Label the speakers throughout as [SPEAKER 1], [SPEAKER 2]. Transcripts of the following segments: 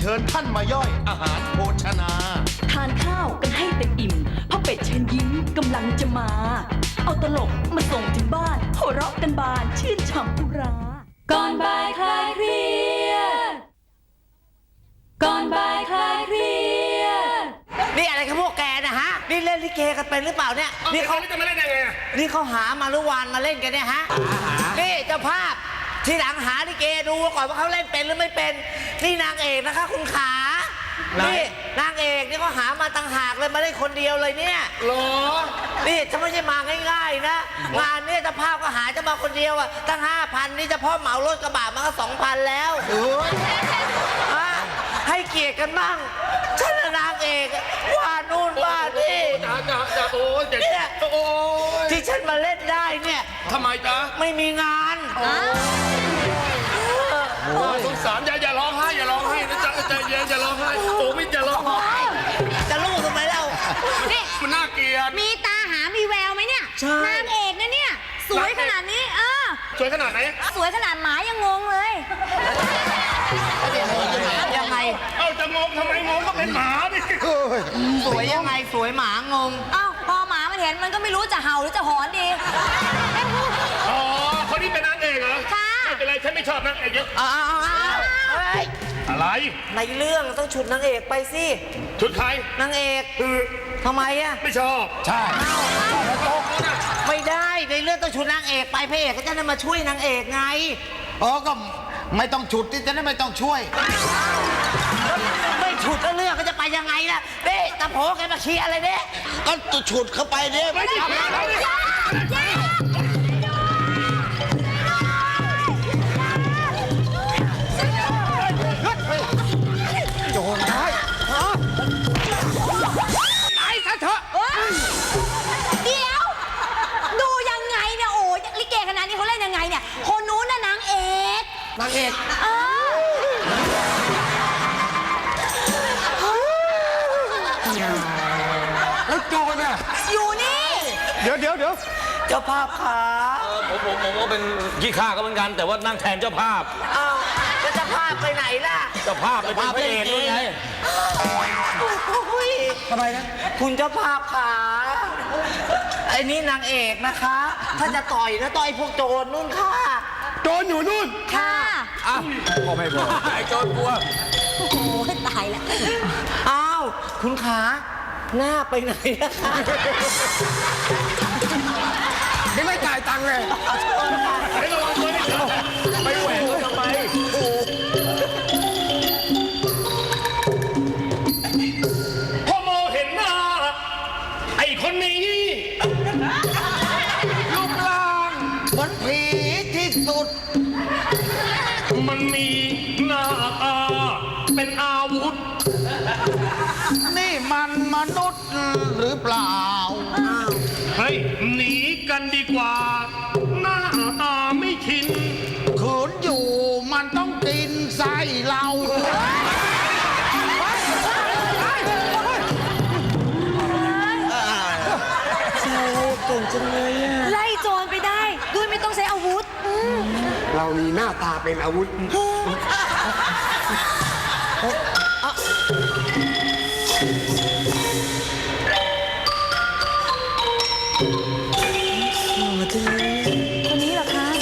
[SPEAKER 1] เชิญท่านมาย่อยอาหารโภชนา
[SPEAKER 2] ทานข้าวกันให้เต็มอิ่มพ่อเป็ดเชิญยิ้มกำลังจะมา เอาตลกมาส่งถึงบ้านหัวเราะกันบานชื่นฉ่ำอุราก่อนบ่ายคลายเครียดก่อนบ่ายคลายเครียด
[SPEAKER 3] นี่อะไรกับพวกแกนะฮะนี่เล่นลิเกกันเป็นหรือเปล่าเนี่ยนี่เขา
[SPEAKER 4] จะมาเล่นยังไง
[SPEAKER 3] นี่เขาหามาลุวานมาเล่นกันเนี่ยฮะนี่เจ้าภาพทีหลังหาลิเกดูก่อนว่าเขาเล่นเป็นหรือไม่เป็นนี่นางเอกนะคะคุณขานี่นางเอกนี่เขาหามาต่างหากเลยมาได้คนเดียวเลยเนี่ย
[SPEAKER 4] หรอ
[SPEAKER 3] นี่จะไม่ใช่มาง่ายๆนะงานนี้เจ้าภาพก็หาจะมาคนเดียวอะตั้ง 5,000 นี่เฉพาะเหมารถกระบะมาก็ 2,000 แล้วให้เกียรติกันบ้างฉันนางเอกว่านู่นว่านี่
[SPEAKER 4] จะโอ้ยเนี่ยโอ้ย
[SPEAKER 3] ที่ฉันมาเล่นได้เนี่ย
[SPEAKER 4] ทำไมจ๊ะ
[SPEAKER 3] ไม่มีงาน
[SPEAKER 4] สงสารอย่าร้องไห้อย่าร้องไห้นะจ๊ะใจเย็นอย่าร้องไห้โอ้ไม่จะร้องไห้
[SPEAKER 3] จะรู้ทำไมเล่า
[SPEAKER 4] มันน่าเกลียด
[SPEAKER 5] มีตาหามีแววไหมเนี่ยนางเอกนะเนี่ยสวยขนาดนี้
[SPEAKER 4] สวยขนาดไหน
[SPEAKER 5] สวยขนาดหมายังงงเลย
[SPEAKER 3] ยังไง
[SPEAKER 4] จะงงทำไมงงก็เป็นหมาดิ
[SPEAKER 3] สวยยังไงสวยหมางง
[SPEAKER 5] พอหมามันเห็นมันก็ไม่รู้จะเห่าหรือจะหอนดี
[SPEAKER 4] อ๋อคนนี้เป็นนางเอกเหรอ
[SPEAKER 5] ค่ะ
[SPEAKER 4] ไม่เป็นไรฉันไม่ชอบนางเอกเยอะอะไร
[SPEAKER 3] ในเรื่องต้องฉุดนางเอกไปสิ
[SPEAKER 4] ชุดใคร
[SPEAKER 3] นางเอกทำไมอะ
[SPEAKER 4] ไม่ชอบ
[SPEAKER 1] ใช่
[SPEAKER 3] ไม่ได้ในเรื่องต้องฉุดนางเอกไปพระเอกก็จะได้มาช่วยนางเอกไง
[SPEAKER 1] ก็ไม่ต้องฉุดที่จะได้ไม่ต้องช่วย
[SPEAKER 3] ไม่ฉุดแล้วเรื่องก็จะไปยังไงล่ะเด้ตะโผแกมาชี้อะไรเนี่ย
[SPEAKER 1] ก็ฉุดเข้าไปเนี่ยไม่ได้โจรได้
[SPEAKER 4] ตายซะเถอะ
[SPEAKER 5] เดี๋ยวดูยังไงเนี่ยโอ้ยลิเกขนาดนี้เขาเล่นยังไงเนี่ยคนนู้นน่ะนางเอก
[SPEAKER 1] แล้วโจรน่ะ
[SPEAKER 5] อยู่นี่
[SPEAKER 1] เดี๋ยว
[SPEAKER 3] เจ้าภาพขา
[SPEAKER 6] ผมก็เป็นขี้ข้าก็เหมือนกันแต่ว่านั่งแทนเจ้าภาพ
[SPEAKER 3] แล้วเจ้าภาพไปไหนล่ะ
[SPEAKER 6] เจ้าภาพไปเป็นพระเอกด้วยไง
[SPEAKER 3] ทำไมนะคุณเจ้าภาพขาไอ้นี่นางเอกนะคะถ้าจะต่อยนะต่อยพวกโจรนู่นค่ะ
[SPEAKER 1] โจรอยู่นู่น
[SPEAKER 5] ค่ะ
[SPEAKER 6] ก็ไม่บอกไอ้โจรกลัว
[SPEAKER 5] โอ้โหตายแล้ว
[SPEAKER 3] อ้าวคุณขาหน้าไปไหนนะคะ
[SPEAKER 1] ไม่จ่ายตังค์เลย
[SPEAKER 4] ไม่ระวังตัวนี่ไปแหวกทำไมพอมองเห็นหน้าไอ้คนนี้
[SPEAKER 1] รูปร่างเหมือนผีที่สุด
[SPEAKER 4] มันมีหน้าตาเป็นอาวุธ
[SPEAKER 1] นี่มันมนุษย์หรือเปล่า
[SPEAKER 4] เฮ้ยหนีกันดีกว่าหน้าตาไม่ชิน
[SPEAKER 1] ขืนอยู่มันต้องกินไส้เรา
[SPEAKER 3] เก่งจังเลย
[SPEAKER 5] ไล่โจรไปได้ด้วยไม่ต้องใช้อาวุธ
[SPEAKER 1] เรามีหน้าตาเป็นอาวุธ
[SPEAKER 5] คนนี้เหรอคะ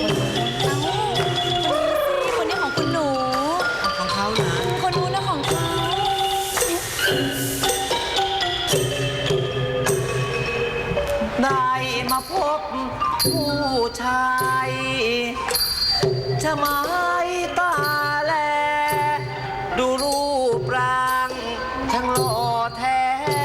[SPEAKER 5] คนนี้ของคุณหนู
[SPEAKER 3] ของเขาเหรอ
[SPEAKER 5] คนนู้นนะของเขา
[SPEAKER 3] ได้มาพบผู้ชายจะไม้ตาแลดูรูปร่างช่างหล่อแท้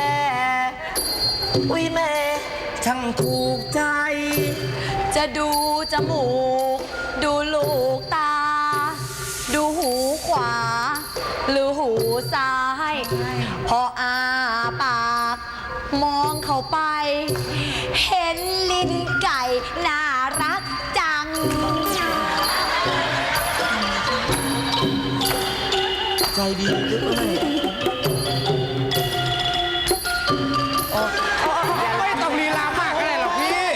[SPEAKER 3] อุ้ยแม่ช่างถูกใจ
[SPEAKER 5] จะดูจมูกดูลูกตาดูหูขวาหรือหูซ้ายพออาปากมองเข้าไปเห็นลิ้นไก่น่ารักจัง
[SPEAKER 3] ใจดีด้วย
[SPEAKER 1] ไม่ต้องลีลามากก็ได้หรอกพี่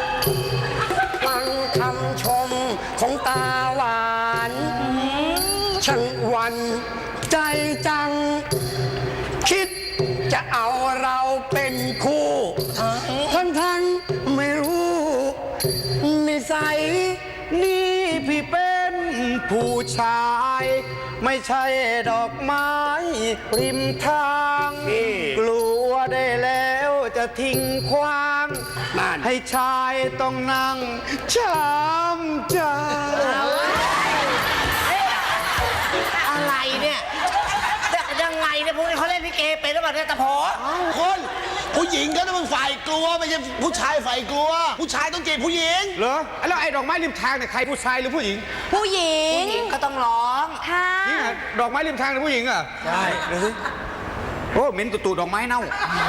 [SPEAKER 1] ฟังคำชมของตาหวานชาย ไม่ใช่ดอกไม้ริมทางกลัวได้แล้วจะทิ้งขว้างให้ชายต้องนั่งช้ำใจ
[SPEAKER 3] อะไรเนี่ยยังไงเนี่ยพวกนี้เขาเล่นลิเกเป็นหรือเปล่าเนี่ยตะโพ
[SPEAKER 7] คนผู้หญิงก็ต้องฝ่ายกลัวไม่ใช่ผู้ชายฝ่ายกลัว ผู้ชายต้องจีบผู้หญิง
[SPEAKER 1] เหรอแล้วไอ้ดอกไม้ริมทางเนี่ยใครผู้ชายหรือผู้หญิง
[SPEAKER 5] ผู้หญิง
[SPEAKER 3] ผู้หญิงก็ต้องร้อง
[SPEAKER 5] ค่ะ
[SPEAKER 1] นี่ไงดอกไม้ริมทางหรือผู้หญิงอ่ะใช่ดูสิโอ้เหม็นตุ่ๆดอกไม้เน่า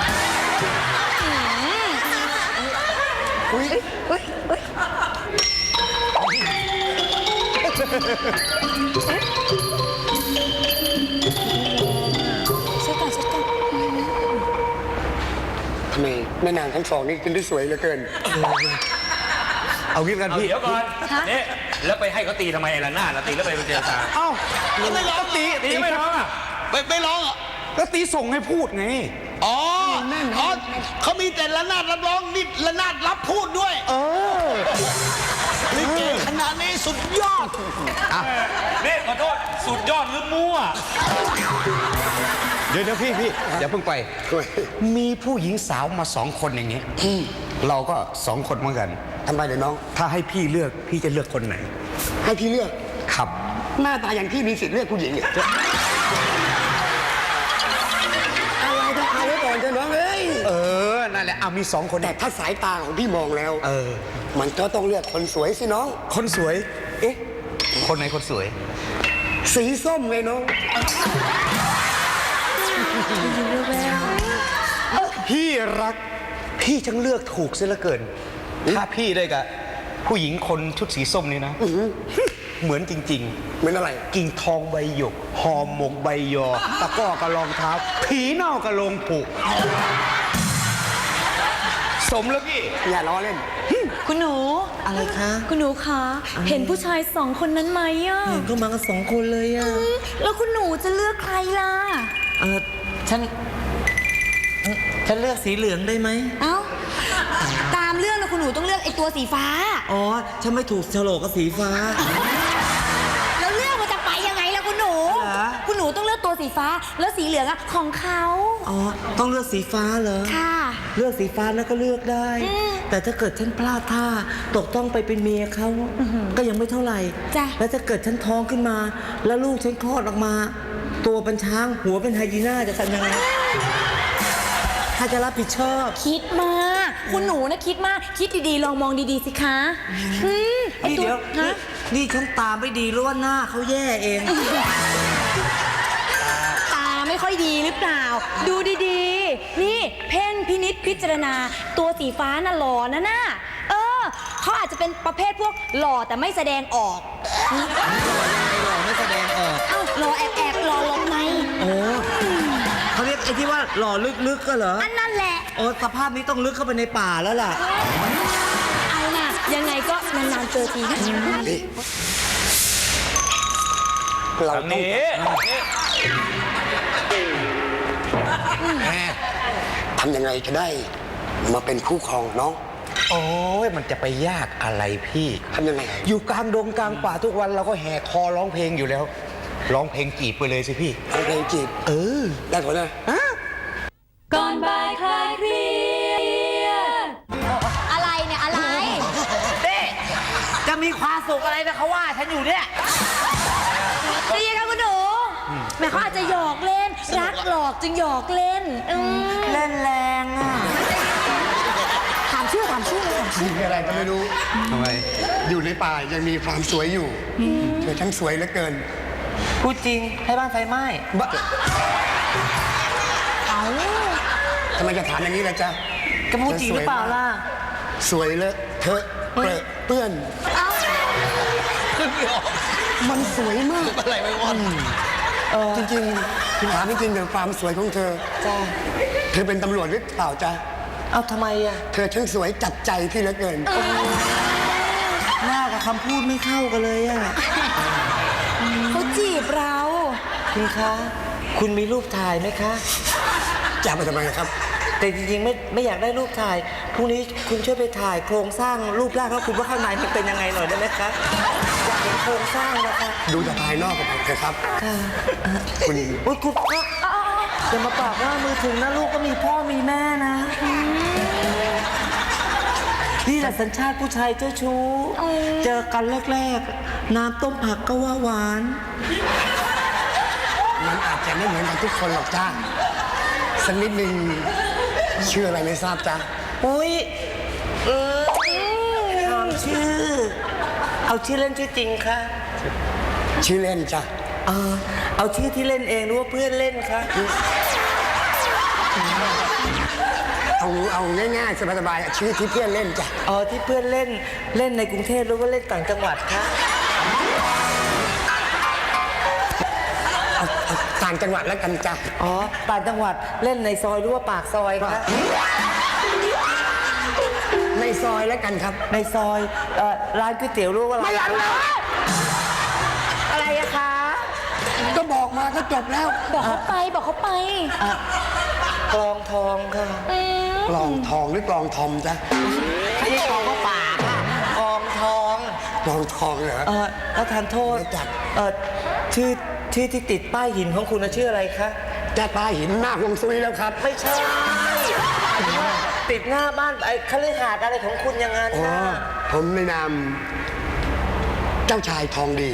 [SPEAKER 7] ทำไมแม่นางทั้งสองนี่กินได้สวยเหลือเกิน
[SPEAKER 1] เอางี้กัน
[SPEAKER 6] เอา
[SPEAKER 1] พี่
[SPEAKER 6] เดี๋ยวก่อนนี่แล้วไปให้เขาตีทำไมล่ะหน้าล่ะตีแล้วไปเจรจา
[SPEAKER 1] เอ้า
[SPEAKER 7] แล้วไม่ร้อง
[SPEAKER 6] ตีไม่ร้องอ่ะ
[SPEAKER 7] ไม่ร้องเหรอ
[SPEAKER 1] ก็ตีส่งให้พูดไง
[SPEAKER 7] อ๋อเขามีแต่ระนาดรับร้องนี่ระนาดรับพูดด้วยลิเกขนาดนี้สุดยอด
[SPEAKER 6] นี่ขอโทษสุดยอดหรือมั่ว
[SPEAKER 1] เดี๋ยวพี่อย่าเพิ่งไป มีผู้หญิงสาวมา2 คนอย่างนี้เราก็2 คนเหมือนกัน
[SPEAKER 7] ทำไมเดี๋ยวน้อง
[SPEAKER 1] ถ้าให้พี่เลือกพี่จะเลือกคนไหน
[SPEAKER 7] ให้พี่เลือก
[SPEAKER 1] ครับ
[SPEAKER 7] หน้าตาอย่างพี่มีสิทธิ์เลือกผู้หญิงเนี่ยอะไรต้องเอาไว้ก่อนเถอะน้องเอ้ย
[SPEAKER 1] นั่นแหละเอามี2 คน
[SPEAKER 7] แต่ถ้าสายตาของพี่มองแล้ว
[SPEAKER 1] อ
[SPEAKER 7] มันก็ต้องเลือกคนสวยสิน้อง
[SPEAKER 1] คนสวย เอ๊ะ คนไหนคนสวย
[SPEAKER 7] สีส้มไงน้อง
[SPEAKER 1] พี่รัก พี่จังเลือกถูกเสียเหลือเกิน ถ้าพี่ได้กับผู้หญิงคนชุดสีส้มนี่นะ เหมือนจริง
[SPEAKER 7] เหมือนอะไร
[SPEAKER 1] ๆ กิ่งทองใบหยก หอมหมกใบยอ ตะกร้อกระรองเท้า ผีเน่ากระโลงผูก สมแล้วพี่
[SPEAKER 7] อย่าล้อเล่น
[SPEAKER 2] คุณหนู
[SPEAKER 3] อะไรคะ
[SPEAKER 2] คุณหนูคะเห็นผู้ชาย2 คนนั้นไหมอ่ะ
[SPEAKER 3] เห็นก็มากัน2 คนเลยอ่ะ
[SPEAKER 2] แล้วคุณหนูจะเลือกใครล่ะ
[SPEAKER 3] ฉันเลือกสีเหลืองได้ไหม
[SPEAKER 5] เอ้า ตามเรื่องนะคุณหนูต้องเลือกไอ้ตัวสีฟ้า
[SPEAKER 3] อ๋อ ฉันไม่ถูกโฉลกกับสีฟ้า
[SPEAKER 5] แล้วเรื่องมันจะไปยังไงล่ะคุณหนู
[SPEAKER 3] เหรอ
[SPEAKER 5] คุณหนูต้องเลือกตัวสีฟ้า แล้วสีเหลืองอะของเขา
[SPEAKER 3] อ๋อ ต้องเลือกสีฟ้าเหรอ
[SPEAKER 5] ค่ะ
[SPEAKER 3] เลือกสีฟ้าแล้วก็เลือกได้ แต่ถ้าเกิดฉันพลาดท่าตกต้องไปเป็นเมียเขาก็ยังไม่เท่าไหร่
[SPEAKER 5] จ้ะ
[SPEAKER 3] แล้วถ้าเกิดฉันท้องขึ้นมา แล้วลูกฉันคลอดออกมา ตัวเป็นช้างหัวเป็นไฮยีน่าจะทำยังไงถ้าจะรับผิดชอบ
[SPEAKER 5] คิดมาก คุณหนูนะคิดมาก คิดดีๆ ลองมองดีๆสิคะไอ้
[SPEAKER 3] นี่
[SPEAKER 5] ตัว
[SPEAKER 3] เดี๋ยว
[SPEAKER 5] ฮะ
[SPEAKER 3] นี่ฉันตาไม่ดีหรือว่าหน้าเขาแย่เอง
[SPEAKER 5] ตาไม่ค่อยดีหรือเปล่า ดูดีๆ นี่เพ่งพินิษพิจารณา ตัวสีฟ้าน่ะหล่อนะน่ะเขาอาจจะเป็นประเภทพวกหล่อแต่ไม่แสดงออก
[SPEAKER 3] หล่อไม่แสดงออก
[SPEAKER 5] เอ้าหล่อแอบหล่อหลบใน
[SPEAKER 3] โอ้เขาเรียกไอ้ที่ว่าหล่อลึกๆก็เหรอ
[SPEAKER 5] อันนั่นแหละ
[SPEAKER 3] โอ้สภาพนี้ต้องลึกเข้าไปในป่าแล้วล่ะ
[SPEAKER 5] เอาน่ะ ยังไงก็นานๆเจอทีนะ
[SPEAKER 7] เรา
[SPEAKER 6] ทาง
[SPEAKER 7] ต้อง
[SPEAKER 6] นี้
[SPEAKER 7] ทำยังไงจะได้มาเป็นคู่ครองน้อง
[SPEAKER 1] โอ้ยมันจะไปยากอะไรพี่
[SPEAKER 7] ทำยังไง
[SPEAKER 1] อยู่กลางดงกลางป่าทุกวันเราก็แห่คอร้องเพลงอยู่แล้ว ร้องเพลงจีบไปเลยสิพี่
[SPEAKER 7] เอาเพลงจีบได้ผลนะ
[SPEAKER 2] ก่อนบ่ายคลายเครียด
[SPEAKER 5] อะไรเนี่ยอะไร
[SPEAKER 3] จะมีความสุขอะไรนะเขาว่าฉันอยู่เนี่ย
[SPEAKER 5] ดีค่ะคุณหนูแม่เขาอาจจะหยอกเล่น รักหลอกจึงหยอกเล่น
[SPEAKER 3] เล่นแรงอ่ะ
[SPEAKER 5] ถามชื่อ
[SPEAKER 7] มีอะไรก็ไม่รู้
[SPEAKER 1] ทำไม
[SPEAKER 7] อยู่ในป่ายังมีความสวยอยู่เธอทั้งสวยเหลือเกิน
[SPEAKER 3] พูดจริงให้บ้านไฟไหม้
[SPEAKER 7] ทำไมจะถามอย่างนี้ล่ะจ๊ะ
[SPEAKER 3] ก็พูดจริงหรือเปล่าล่ะ
[SPEAKER 7] สวยเลอะเธอะเปรอะเปื้อน มันสวยมากอะไรไม่วันจริงๆถามจริงๆเรื่องความสวยของเธอ
[SPEAKER 3] จ้า
[SPEAKER 7] เธอเป็นตำรวจหรือเปล่าจ๊ะ
[SPEAKER 3] เอาทำไมอ่ะ
[SPEAKER 7] เธอช่างสวยจับใจพี่เหลือเกิน
[SPEAKER 3] หน้ากับคำพูดไม่เข้ากันเลยอ่ะ
[SPEAKER 5] เขาจีบเรา
[SPEAKER 3] คุณคะ คุณมีรูปถ่ายไหมคะ
[SPEAKER 7] จะไปทำไมครับ
[SPEAKER 3] แต่จริงๆไม่อยากได้รูปถ่าย พรุ่งนี้คุณช่วยไปถ่ายโครงสร้างรูปร่างแล้วคุณว่าข้างในมันเป็นยังไงหน่อยได้ไหมคะ
[SPEAKER 7] ไ
[SPEAKER 3] โครงสร้างนะคะ
[SPEAKER 1] ดูจากภายนอกกันเถอะครับ คุณ
[SPEAKER 3] อุ้ยคุณพ่อจะมาปากว่ามือถึงนะลูกก็มีพ่อมีแม่นะนี่แหละสัญชาติผู้ชายเจ้าชู้เจอกันแรกๆน้ำต้มผักก็ว่าหวาน
[SPEAKER 1] มันอาจจะไม่เหมือนกันทุกคนหรอกจ้าสักนิดนึงชื่ออะไรไม่ทราบจ้า
[SPEAKER 3] อุ้ยถามชื่อ เอาชื่อเล่นชื่อจริงค่ะ
[SPEAKER 1] ชื่อเล่นจ้ะ
[SPEAKER 3] เอาชื่อที่เล่นเองหรือว่าเพื่อนเล่นคะ
[SPEAKER 1] เอาง่ายๆสบายๆชื่อที่เพื่อนเล่นจ้ะ
[SPEAKER 3] อ๋อที่เพื่อนเล่นในกรุงเทพหรือว่าเล่นต่างจังหวัดคะ
[SPEAKER 1] เอาต่างจังหวัดแล้วกันจ้ะ
[SPEAKER 3] อ๋อต่างจังหวัดเล่นในซอยหรือว่าปากซอยคะ
[SPEAKER 1] ในซอยแล้วกันครับ
[SPEAKER 3] ในซอยร้านก๋วยเตี๋ยวหรือว่าไม่ร้านอะไรอะคะ
[SPEAKER 1] ก็บอกมาก็จบแล้ว
[SPEAKER 5] บอกเขาไปบอกเขาไป
[SPEAKER 3] กลองทองค่ะ
[SPEAKER 1] กลองทองหรือกลองทอมจ้ะ
[SPEAKER 3] ไม่ใช่กลองก็ป่าค่ะกลองทอง
[SPEAKER 1] กลองทองเหรอ
[SPEAKER 3] แล้วทานโทษ
[SPEAKER 1] ไม่จัด
[SPEAKER 3] ชื่อที่ติดป้ายหินของคุณน่ะชื่ออะไรคะ
[SPEAKER 1] จะตาหินหน้าฮวงซุยแล้วครับ
[SPEAKER 3] ไม่ใช่ติดหน้าบ้านไอ้คฤหาสน์อะไรของคุณอย่างนั้น
[SPEAKER 1] อ๋อ
[SPEAKER 3] นะ
[SPEAKER 1] ผมในนามเจ้าชายทองดี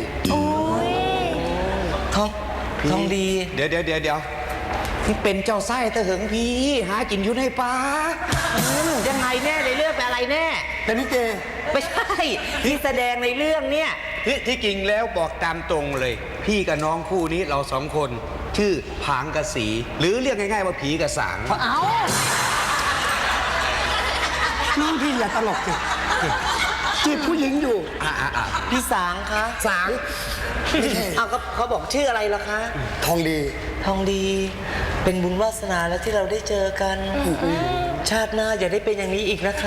[SPEAKER 3] ทองดี
[SPEAKER 1] เดี๋ยวที่เป็นเจ้าไส้ตะเหิงพี่หากินอยู่ในป่า
[SPEAKER 3] ยังไงแน่ในเรื่องเป็นอะไรแน่
[SPEAKER 1] แต่นี่เก
[SPEAKER 3] ไม่ใช่ที่แสดงในเรื่องเนี่ย
[SPEAKER 8] ที่จริงแล้วบอกตามตรงเลย พี่กับน้องคู่นี้เราสองคน ชื่อผางกระสี หรือเรียกง่ายๆว่าผีกระสาง
[SPEAKER 5] เอา
[SPEAKER 1] น้องพี่อย่าตลกสิจีบผู้หญิงอยู่
[SPEAKER 3] พี่สางคะ
[SPEAKER 1] สางไม่ใช่
[SPEAKER 3] เอาก็เขาบอกชื่ออะไรล่ะคะ
[SPEAKER 1] ทองดี
[SPEAKER 3] ทองดีเป็นบุญวาสนาแล้วที่เราได้เจอกัน ชาติหน้าอย่าได้เป็นอย่างนี้อีกนะคะ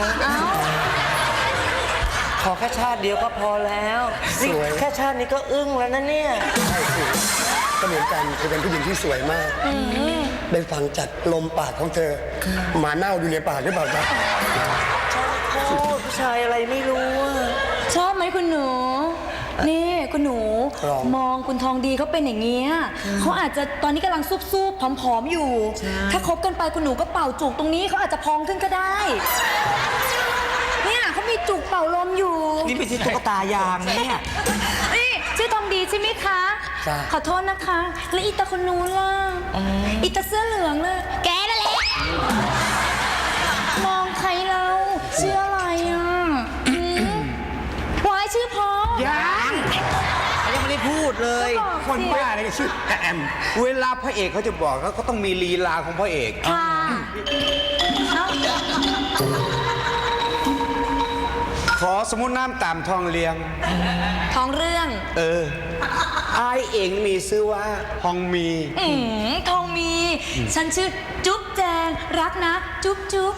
[SPEAKER 3] ขอแค่ชาติเดียวก็พอแล้วนี่แค่ชาตินี้ก็อึ้งแล้วนะเนี่ย
[SPEAKER 1] ใช่สิก็เหมือนกันเธอเป็นผู้หญิงที่สวยมากได้ฟังจากลมปากของเธอหมาเน่าอยู่ในปากหรือเปล่าจ๊ะ
[SPEAKER 3] โอ้ผู้ชายอะไรไม่รู้อะ
[SPEAKER 5] ชอบไหมคุณหนู นี่คุณหนู มองคุณทองดีเขาเป็นอย่างเงี้ยเขาอาจจะตอนนี้กำลังซุบๆผอมๆอยู่ ถ้าคบกันไปคุณหนูก็เป่าจุกตรงนี้เขาอาจจะพองขึ้นก็ได้ เนี่ยเขามีจุกเป่าลมอยู่
[SPEAKER 3] นี่ไม่ใช่ตุ๊กตายางนะเนี่ย
[SPEAKER 5] นี่ชื่อทองดีใช่ไหมคะ
[SPEAKER 1] จ้ะ
[SPEAKER 5] ขอโทษนะคะ แล้วอีตาคนนู้นล่ะอีตาเสื้อเหลืองล่ะแกนั่นแหละมองใครเราชื่ออะไรอ่ะวายชื่อพอ
[SPEAKER 8] ยังไม่ได้พูดเลย
[SPEAKER 5] ก็บอกสิ
[SPEAKER 8] คนบ้าอะไรก็ชื่อแอม เวลาพระเอกเขาจะบอกเขาก็ต้องมีลีลาของพระเอก
[SPEAKER 5] ค่ะเอ้า
[SPEAKER 8] ขอสมมุติน้ำตามทองเลียง
[SPEAKER 5] ท้องเรื่อง
[SPEAKER 8] อายเองมีชื่อว่าฮองมี
[SPEAKER 5] ทองมี ฉันชื่อจุ๊บแจงรักนะ จุ๊บจุ๊บ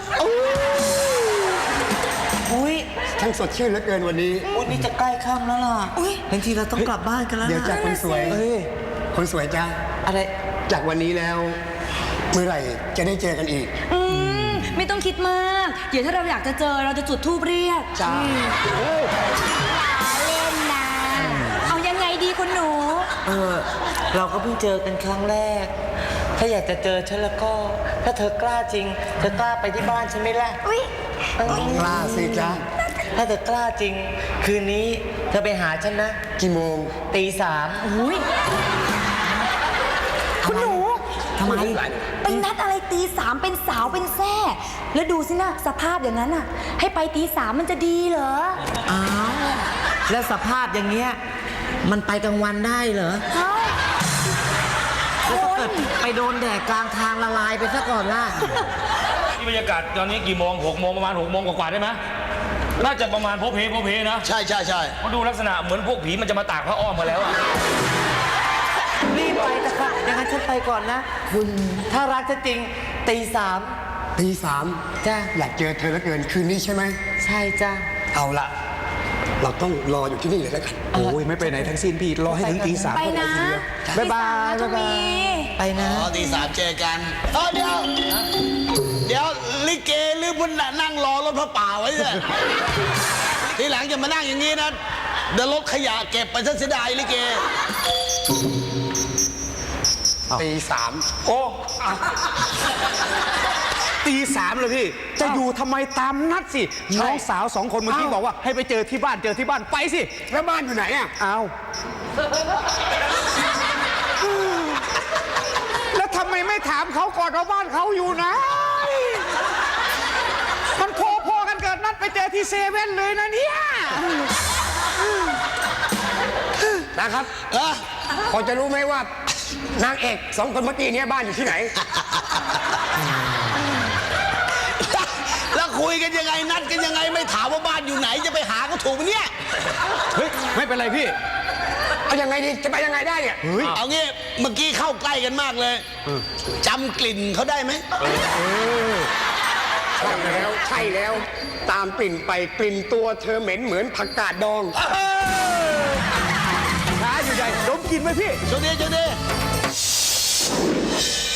[SPEAKER 3] อุ้ย
[SPEAKER 1] ทั้งสดชื่นเหลือเกินวันนี้
[SPEAKER 3] วันนี้จะใกล้ค่ำแล้วล่ะบางทีเราต้องกลับบ้านกันแล้วนะ
[SPEAKER 1] เดี๋ยวจากคนสวยคนสวยจ้า
[SPEAKER 3] อะไร
[SPEAKER 1] จากวันนี้แล้ว เมื่อไหร่จะได้เจอกันอีก
[SPEAKER 5] ไม่ต้องคิดมาก เดี๋ยวถ้าเราอยากจะเจอเราจะจุดธูปเรียก
[SPEAKER 1] จ้า
[SPEAKER 5] เล่นนะเอายังไงดีคุณหนู
[SPEAKER 3] เราก็เพิ่งเจอกันครั้งแรก ถ้าอยากจะเจอฉันแล้วก็ ถ้าเธอกล้าจริง เธอกล้าไปที่บ้านฉันไหมล่ะ
[SPEAKER 5] อุ้ย
[SPEAKER 1] กล้าสิจ้า
[SPEAKER 3] ถ้าเธอกล้าจริง คืนนี้เธอไปหาฉันนะ
[SPEAKER 1] กี่โมง
[SPEAKER 3] ตี
[SPEAKER 5] อุ้ยคุณหนู
[SPEAKER 3] ทำไม
[SPEAKER 5] เป็นนัดอะไรตีสามเป็นสาวเป็นแซ่แล้วดูสินะสภาพอย่างนั้นอ่ะ ให้ไปตีสามมันจะดีเหรอ
[SPEAKER 3] อ้าวแล้วสภาพอย่างเงี้ยมันไปกลางวันได้เหรอ
[SPEAKER 5] เอ้า
[SPEAKER 3] แล้วถ้าเกิดไปโดนแดดกลางทางละลายไปซะก่อนล่ะ
[SPEAKER 6] นี่บรรยากาศตอนนี้กี่โมง6 โมงประมาณ6 โมงกว่าๆได้ไหมน่าจะประมาณโพเพนะ
[SPEAKER 7] ใช่
[SPEAKER 6] เพราะดูลักษณะเหมือนพวกผีมันจะมาตากพระอ้อมมาแล้วอะ
[SPEAKER 3] รีบไปแต่ค่ะอย่างนั้นฉันไปก่อนนะ คุณถ้ารักจะจริงตี
[SPEAKER 1] ตี 3
[SPEAKER 3] จ้า
[SPEAKER 1] อยากเจอเธอเหลือเกินคืนนี้ใช่ไหม
[SPEAKER 3] ใช่จ้า
[SPEAKER 1] เอาละเราต้องรออยู่ที่นี่เลยแล้วกัน
[SPEAKER 8] โอ้ยไม่ไปไหนทั้งสิ้นพี่ รอให้ถึงตี 3
[SPEAKER 5] ไปนะ
[SPEAKER 8] บ๊ายบาย
[SPEAKER 5] ตีสมนะทวี
[SPEAKER 3] ไปนะ
[SPEAKER 7] อ๋อตี 3เจอกันเดี๋ยวลิเกหรือพุ่นนั่งรอรถพระป่าไว้เนี่ยทีหลังจะมานั่งอย่างนี้นะเดี๋ยวรถขยะเก็บไปซะเสียดายลิเก
[SPEAKER 1] ตีสามโอ้ตีสามเลยพี่ จะอยู่ทำไมตามนัดสิ น้องสาวสองคนเมื่อกี้บอกว่าให้ไปเจอที่บ้านไปสิ แล้วบ้านอยู่ไหนอ่ะเอาแล้วทำไมไม่ถามเขาก่อนว่าบ้านเขาอยู่ไหน มันพอกันเกิดนัดไปเจอที่เซเว่นเลยนะเนี่ย
[SPEAKER 9] นะครับ พอจะรู้ไหมว่านางเอกสองคนเมื่อกี้เนี้บ้านอยู่ที่ไหน
[SPEAKER 7] แล้วคุยกันยังไงนัดกันยังไงไม่ถามว่าบ้านอยู่ไหนจะไปหาก็ถูกไหมเนี่ย
[SPEAKER 1] เฮ้ย ไม่เป็นไรพี่
[SPEAKER 9] เอายังไงดีจะไปยังไงได้เนี่ย
[SPEAKER 7] เอางี้เมื่อกี้เข้าใกล้กันมากเลยจำกลิ่นเขาได้ไหม
[SPEAKER 9] ใช่แล้วตามกลิ่นไปกลิ่นตัวเธอเหม็นเหมือนผักกาดดอง
[SPEAKER 1] ช้าอยู่ใหญ่ดมกลินไหมพี่
[SPEAKER 7] โชคดี